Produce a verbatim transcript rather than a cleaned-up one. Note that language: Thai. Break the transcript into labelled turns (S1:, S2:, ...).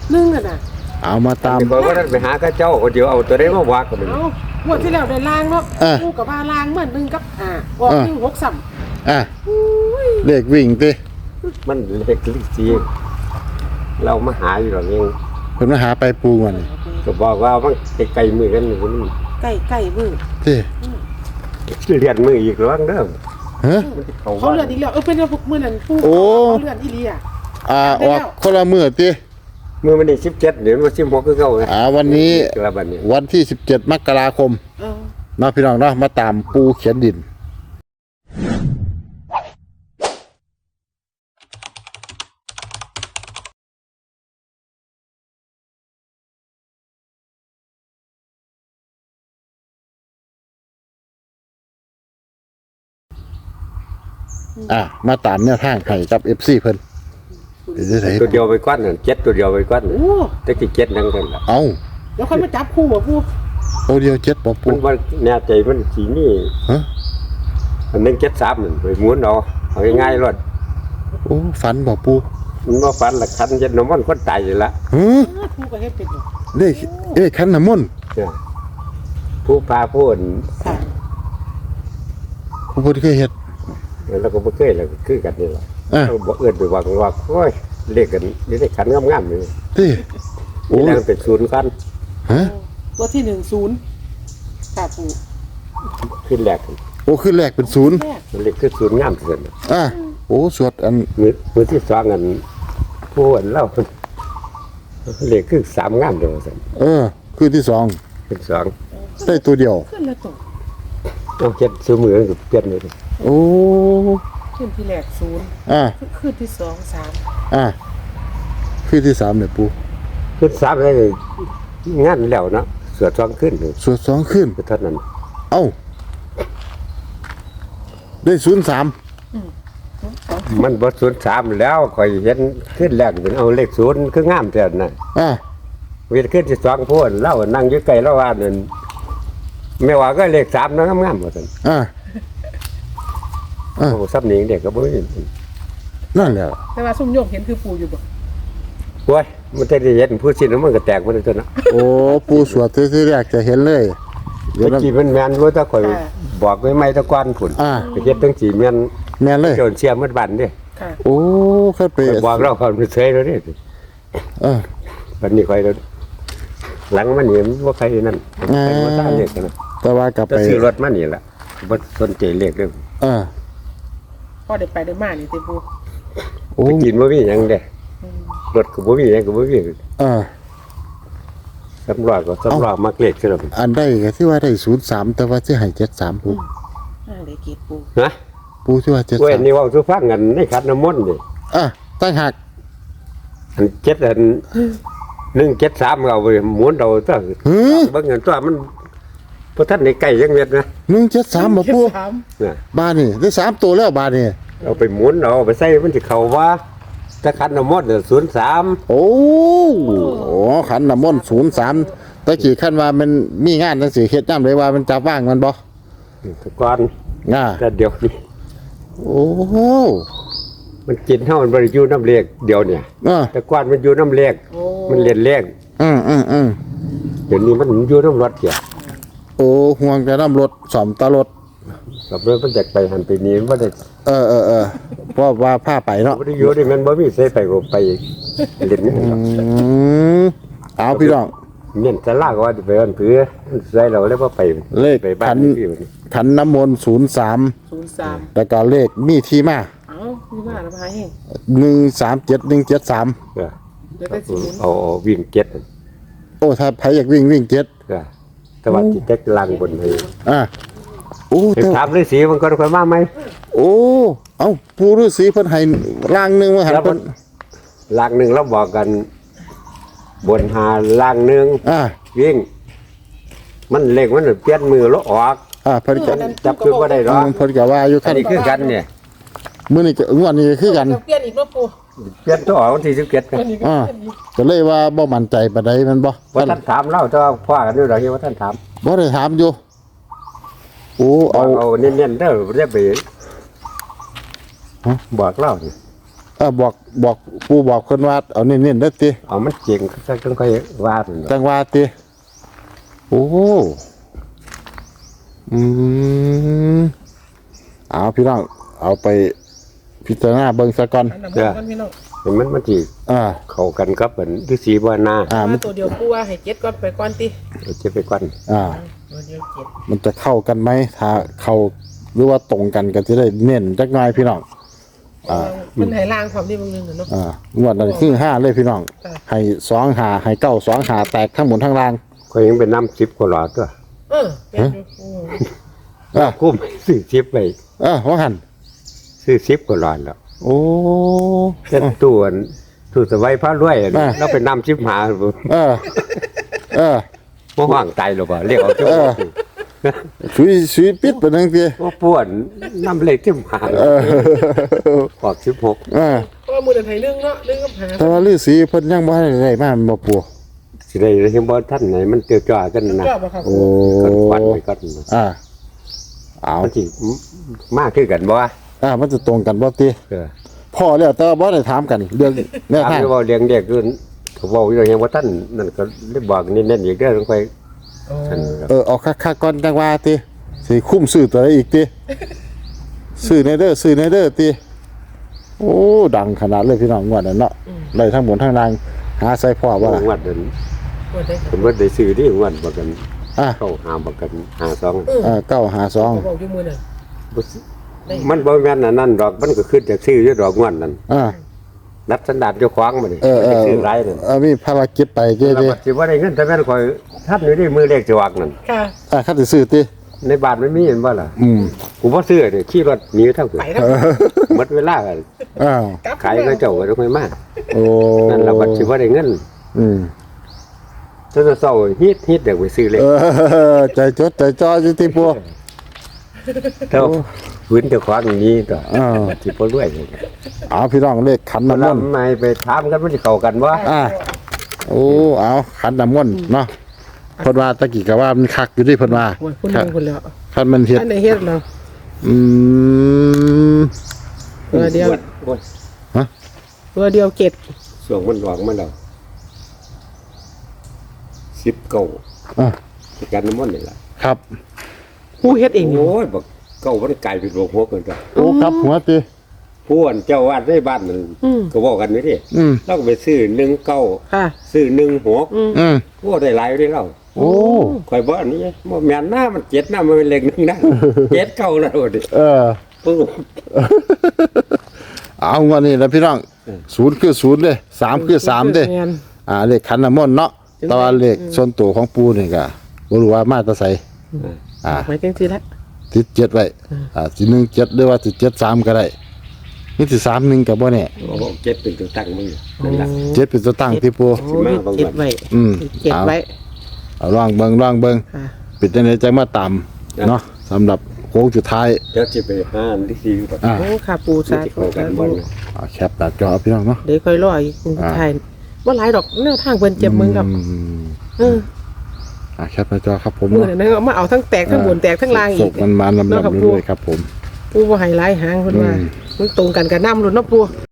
S1: หนึ่งอ่ะนะ
S2: เอามาตาม
S3: บอกว่าท่านไปหาข้าเจ้าคนเดียวเอาตัวได้มาวักกัน
S1: เอางวดที่แล้วได้ล้างเนาะกูกับว่าล้างเหมือนหนึ่งกับอ่าบอกหนึ่งหกสาม
S2: อ่ะเลขวิ่งติ
S3: มันเล็กลิซีเรามาหาอยู่หรอกเอง
S2: เพิ่นมาหาไปปูก่อน
S3: ก็บอกว่ามันไกลๆมือกันอยู่นี่
S1: ใกล้ใกล้มือ
S2: ติ
S3: เรียนมืออีกแล้วเด้อ
S2: ฮะ
S1: เขาเลื่อนอีกแล้วเออเป็นพวกมือนั่นปูเขาเลื่อนอีเลีย
S2: อ่าออกคนละมื้อติ
S3: มื้อวันที่สิบเจ็ดเดี๋ยววันที่สิบหกคือเก่า
S2: อ่าวันนี้วันที่สิบเจ็ดมกราคมเออเนาะพี่น้องเนาะมาตามปูเขียนดินอ่ะมาตามแนวทางให้กับ เอฟ ซี เพิ่น
S3: ตัวเดียวไปก้อนนั่นเจ็ดตัวเดียวไปก้อนโอ้แต่กี่เจ็ดนั่งกันล่ะ
S2: เอ้า
S1: แล้วค่อยมาจับคู่บ่ปู
S2: โอเดียวเจ็ดบ่ปู
S3: มันว่าแน่ใจมันสีนี่ฮะอันนึงเจ็ดสามนั่นไปม้วนเอาเอาง่ายๆรถ
S2: โอ้ฝันบ่ปู
S3: มันบ่ฝันละคันเจ็ดน้ำมันคนตายอยู่ละ
S2: ฮะ
S1: ปูก็เฮ็ดเป็น
S2: เลขเอ้คันน้ำมนต์
S3: ผู้พาผู้อื่น
S2: ผู้บ่เคยเฮ็ด
S3: แล้วก็บ่เคยแล้วคือกันนี่ล่ะเราบ่เอิ้นไปว่าว่าโอ้ยเลขกันนี่ได้ขันงามๆนี่
S2: ติ
S3: โอ้ยเป็นศูนย์คัน
S2: ฮะ
S1: ตัวที่หนึ่งศูนย์ค่ะปู
S3: ขึ้นแรก
S2: โอ้ขึ้นแรกเป็นศูนย์
S3: เลขคือศูนย์งามที่สุด
S2: อ่ะโอ้สวดอัน
S3: มือมือที่สองอันผู้อันเล่าเลขคือสามงามเดียวซั่น
S2: เออคือที่สอง
S3: เป็นสอง
S2: ได้ตัวเดียว
S1: ขึ้นละตัว
S3: ต้องเจ็ดซื้อมือกับเปลี่ยนเลย
S2: โอ้
S1: ขึ้นที่แรกศูนย์
S2: อ่า
S1: ขึ้นที่สองสาม
S2: อ่าขึ้นที่สามเนี่ยปู
S3: ขึ้นสามเลยงานแล้วเนาะสวดสองขึ้น
S2: สวดสองขึ้น
S3: เท่านั้น
S2: เอ้าได้ศูนย์สาม
S3: มันบทศูนย์สามแล้วคอยเห็นขึ้นแรกเป็นเอาเลขศูนย์คืองามแต่น่ะ
S2: อ่า
S3: เวทขึ้นที่สองพูดเล่านั่งอยู่ไกลเล่าว่านั่นไม่ว่าก็เลขสามนะงามๆหมดเลย
S2: อ่า
S3: โอ้ซับหนิงเด็กก็บ่เห็น
S2: นั่นแหละ
S1: แต่ว่าซุ่มโยกเห็นคือปูอยู่บ่
S3: โว้ยมันจะได้เห็นผู้สิ้นมันก็แตกมันเลยเนาะ
S2: โอ้ปูสวดที่แรกจะเห็นเลย
S3: เดี๋ยวจีมันแม่นรู้ถ้าข่อยบอกไว้ไม่ตะกอนผุนไปเฮ็ดตั้งจีแม่น
S2: แม่นเลย
S3: โจรเสียมัดบันเด้
S2: โอ้ค่อยไป
S3: บอกเราเขาเฉยแล้วเด้
S2: เออ
S3: บัดนี้ข่อยหลังมันนี่บ่ใครนั่นไปบ่ตามเลขนะ
S2: แต่ว่ากลับไป
S3: ซื้อรถมานี่ล่ะบ่สนใจเลขเด้อ
S2: เออ
S1: พอได้ไปได้มานี่ติปู
S3: โอ้กินบ่มีหยังเด้รถก็บ่มีหยังก็บ่มี
S2: เออ
S3: สำรวจก็สำรวจมักเลขซะแล้ว
S2: อันได้ก็ที่ว่าได้ศูนย์สามแต่ว่าสิให้เจ็ดสามปู
S1: อ่าได้เก็บปู
S3: ฮะ
S2: ปูที่ว่าเจ็ดสาม
S3: เว้ยนี่เว้าสู่ฟังกันในขันน้ำมนต์นี่
S2: อ่ะตั้งหัก
S3: อันเจ็ดอันหนึ่งเจ็ดสามเอาไปหมุนเอาซะเบิ่งเงินตัวมันบ่ทันได้ใกล้จังเม็ดนะ
S2: หนึ่งเจ็ดสามบ่ปูบ้านนี่ได้สามตัวแล้วบ้านนี่
S3: เอาไปหมุนเอาไปใส่มันสิเข้าว่าถ้าขันน้ำมนต์เนี่ยศูนย์สาม
S2: โอ้โหขันน้ำมนต์ศูนย์สามตะกี้ขั้นว่ามันมีงานจังสิเฮ็ดย่ำเลยว่ามันจับว่างมันบ่
S3: ก่อน
S2: ง่า
S3: แต่เดี๋ยวนี้
S2: โอ้โห
S3: มันกินเท่ามันบริยูน้ำเล็กเดียวเนี่ยแต่ก่อนมันอยู่น้ำเล็กมันเรียนเล็ก
S2: อืมอืมอืม
S3: เดี๋ยวนี้มันอยู่น้ำรถเกี่ย
S2: โอ้ห่วงแต่น้ำรถสอมตลด
S3: กับเรื่องมันแจกไปหันไปนี้มันได้
S2: เออเออเออเพราะว่าผ้าไปเนาะ
S3: บริยูนี่มันบ่มีใส่ไปก็ไปเล่นนี่
S2: เอาพี่น้อง
S3: เนี่ยจะลากว่าจะไปอันเพื่อใส่เราแล้วก็ไป
S2: เลขขันขันน้ำมนต์ศูนย์สาม
S1: ศูนย์สาม
S2: แต่ก็เลขมีที่มา
S1: เอาที่มาแล้วมาให้
S2: หนึ่งสามเจ็ดหนึ่งเจ็ดสาม
S3: เอาวิ่งเจ็ด
S2: โอ้ถ้าใครอยากวิ่งวิ่งเจ็ด
S3: แต่ว่าจิตจะลังบนให้
S2: อ่าโอ้
S3: ถามฤาษีมันก็ค่อยมาไหม
S2: โอ้เอ้าปู่ฤาษีเพิ่นให้ล่างนึงมาหันเพิ่น
S3: ล่างนึงเราบอกกันบนหาล่างนึง
S2: อ่า
S3: วิ่งมันเล็กมันเปลี่ยนมือแล้วออก
S2: อ่าเพิ่นก็
S3: จับคือบ่ได้หรอก
S2: เพิ่นก็ว่าอยู่คั่น
S3: นี่คือกันเนี่ย
S2: มื้อนี้ก็งวดนี้คือกัน
S1: เปลี่ยนอีกเนาะปู่
S3: เปลี่ยนตัวออกวันที่สิบเจ็ดกัน
S2: อ่าก็เลยว่าบ่มั่นใจปานใดมันบ่
S3: ว่าท่านถามเล่าแต่ว่าพ่อกันอยู่ดอกว่าท่านถาม
S2: บ่ได้ถามอยู่โอ้เอา
S3: เอาเน้นๆเด้อเรียกไปบอกเล่านี่
S2: เออบอกบอกปูบอกคนว่าเอาเน้นๆเด้อติ
S3: เอามันเจ๋งซะจังค่อยว่าซั่น
S2: จังว่าติโอ้อืมเอาพี่น้องเอาไปพิจารณาเบิ่งซะก่อน
S1: อันนั้นมันพี่น้อง
S3: เห็นมันมันสิ
S2: อ่า
S3: เข้ากันกับเหมือนฤาษีบ่นา
S2: อ่ามั
S1: มาน ตัวเดียวกูว่าให้เจ็ดก่อนไปก่อนติ
S3: เดี๋ยวจะไปก่อน
S2: อ่า
S1: ตัวเดียวเจ็ด
S2: มันจะเข้ากันไหมถ้าเข้าหรือว่าตรงกันก็จะได้เน้นจักหน่อยพี่น้อง อ่า
S1: มันให้ล่างความที่บางนึงเนาะ
S2: อ่างวดนั้นคือห้าเลยพี่น้อง
S1: ค่ะ
S2: ให้สองหาให้เก้าสองหาแตกทั้งหมดทั้งล่าง
S3: ก็ยังเป็นน้ำสิบกว่าหลอดตัว
S1: เออเป็นอยู่อืม
S2: อ่า
S3: คุ้มซื้อสิบไป
S2: อ่าว่าหัน
S3: ซื้อสิบกว่าหลอดแล้ว
S2: โอ้
S3: เช่นตู้อันตู้สบายพระรวยอัน
S2: อ่า
S3: เราเป็นน้ำสิบหา
S2: เออ เออ
S3: บ่ห่างใจหรอกบ่เรียกเอาเจ้า
S2: เออ สุยสุยปิดไปนั่งเตีย
S3: บ่ป่วนน้ำเล็กสิบหา
S2: เออ
S3: ขอบสิบหก
S2: เออ
S1: เพราะว่ามือเดินไทยเรื่องเนาะเรื่องกับหา
S2: แต่ว่าฤาษีเพิ่นยังบ่ได้ได้มาแม่นบ่ปู่
S3: สิได้เห็นบ่ท่านไหนมันเตียวจ้ากันนะ
S1: ชอบป่ะครับ
S2: โอ้
S3: กันควันไปก่อน
S2: อ่าเอา
S3: มันสิมากคือกันบ่วะ
S2: อ่ามันจะตรงกันบ่ติ
S3: เออ
S2: พ่อแล้วแต่ว่าบ่ได้ถามกันเรื่องแนว
S3: ถาม
S2: ทาง
S3: อยู่ว่าเลี้ยงเด็กคือเขาบอกอยู่ยังว่าท่านนั่นก็ได้บอกนี่แน่นอีกเด้อต้องไป
S1: โอ้
S3: ท่านครับ
S2: เออเอาคักๆก่อนจังว่าติสิคุ้มซื้อตัวใดอีกติซื้อในเด้อซื้อในเด้อติโอ้ดังขนาดเลยพี่น้องงวดนั้นเนาะได้ทั้งหมดทั้งนางหาใส่พ่อบ่ล่ะ
S3: งวดเดิน
S1: ปวดได้
S3: สมมติได้ซื้อที่งวดบอกกัน
S2: อ่ะ
S3: เข้าหาบอกกันหาสอง
S2: เออเก้าหาสอง
S1: เขาบอกอยู่มือน่ะ
S3: มันบ่แม่นอันนั่นดอกมันก็ขึ้นจากซื้ออยู่ดอกงวดนั่น
S2: อ่า
S3: นับสันดานเจ้าของมานี่
S2: เออเออ
S3: ซื้อไรนั่น
S2: เออมีภารกิจไปเจ้
S3: แล้ว
S2: เจ้
S3: บัดสิว่าได้เงินแต่แม่นคอยท่านอยู่ในมือเลขจะวักนั่น
S1: ค่ะ
S2: อ่ะคันสิซื้อติ
S3: ในบ้านมันมีเห็นบ่ล่ะ
S2: อืม
S3: กูบ่ซื้อเด้ขี่รถหนีเท่าคือ
S1: ไปทั้ง
S3: หมดเวลากัน
S2: อ้าว
S1: กลับ
S3: ขายก็เจ้าก็ต้องไปมา
S2: โอ้
S3: นั่นล่ะบัดสิว่าได้เงิน
S2: อืม
S3: จนเศร้าฮิตฮิตเด็กไปซื้อเลข
S2: เออใจจดใจจ่ออยู่ที่ปัว
S3: เท่าพื้นเจ้าของอย่างนี้ต่อ
S2: อ่า
S3: สิบ่รวยเลย
S2: เอาพี่น้องเลขขัน
S3: มัน
S2: น้ำมนต์
S3: ทำไมไปถามกันมันสิเข้ากันบ่
S2: อ่าโอ้เอาขันน้ำมนต์เนาะเพิ่นว่าตะกี้ก็ว่ามันคักอยู่ที่เพิ่นว่า
S1: โอ้ยคุณนึงคุณแล้ว
S2: คันมันเฮ็ด
S1: อันไหนเฮ็ดเรา
S2: อืม
S1: ตัวเดียว
S3: โอ้ย
S1: ตัวเดียวเจ็ด
S3: ส่วงมันหลอกมันแล้วสิบเก้า
S2: อ่ะ
S3: ที่กันน้ำมันนี่ล่ะ
S2: ครับ
S1: ผู้เฮ็ดเองอยู่
S3: โอ้ยบักเก้ามันกลายเป็นโรคหัวเกินไป
S2: โอ้ครับหัวติ
S3: ผู้อันเจ้าวาดในบ้านนั่น
S1: อืม
S3: ก็บอกกันนี่ดิ
S2: อืม
S3: เราก็ไปซื้อหนึ่งเก้า
S1: ค่ะ
S3: ซื้อหนึ่งหก
S1: อืม
S2: อืม
S3: โอ้ได้หลายอยู่เด้เรา
S2: โอ้
S3: คอยบอกอันนี้บ่แม่นหน้ามันเจ็ดหน้ามันเป็นเลขหนึ่งนะเจ็ดเก้าแล้วดิ
S2: เออ
S3: ปึ๊บ
S2: เอางวดนี้แล้วพี่น้องศูนย์คือศูนย์เด้สามคือสามเด้
S1: แม่น
S2: อ่าเลขขันน้ำมนต์เนาะแต่ว่าเลขส่วนตัวของปูนี่ก็บ่รู้ว่ามาแตะไสอ่า
S1: ไว้จังซี่ละ
S2: ติดเจ็ดไว้ อ่าสิหนึ่งเจ็ดหรือว่าสิเจ็ดสามก็ได้นี่สิสามหนึ่งกับบ่แน่
S3: โอ้โหเจ็ดเป็นตัวตั้งมึงนั่นล่ะ
S2: เจ็ดเป็นตัวตั้งที่ปู
S1: โอ้ยเจ็ดไว้
S2: อืม
S1: เจ็ด
S2: เอา
S1: ไว้
S2: เอาลองเบิ่งลองเบิ่ง
S1: ค่ะ
S2: ปิดจังไดจังมาตามเนาะสำหรับโค้งสุดท้าย
S3: เดี๋ยวสิไปหาอันที่สี่ก่อน
S2: อ่า
S1: โอ้ค่ะปู
S3: ที่
S1: สา
S3: สิ
S1: ธุ
S3: เข้ากันบ่นะ
S2: เอาแคปหน้าจอพี่น้องเนาะ
S1: เดี๋ยวค่อยรออีกคุณไทยว่าหลายดอกแนวทางเพิ่นเจ็บมึงกับ
S2: อืม
S1: เออ
S2: อ่าแคปหน้าจอครับผม
S1: มือนั้นก็มาเอาทั้งแตกทั้งบนแตกทั้งล่าง
S2: ศ
S1: อีก
S2: กมันมาลำ
S1: เนาะครับ
S2: ๆ
S1: ปู่
S2: เรื่อยๆครับผม
S1: ปูบ่ให้หลายหางเพิ่นว่า
S2: อืม
S1: มันตรงกันกับน้ำรุ่นเนาะปู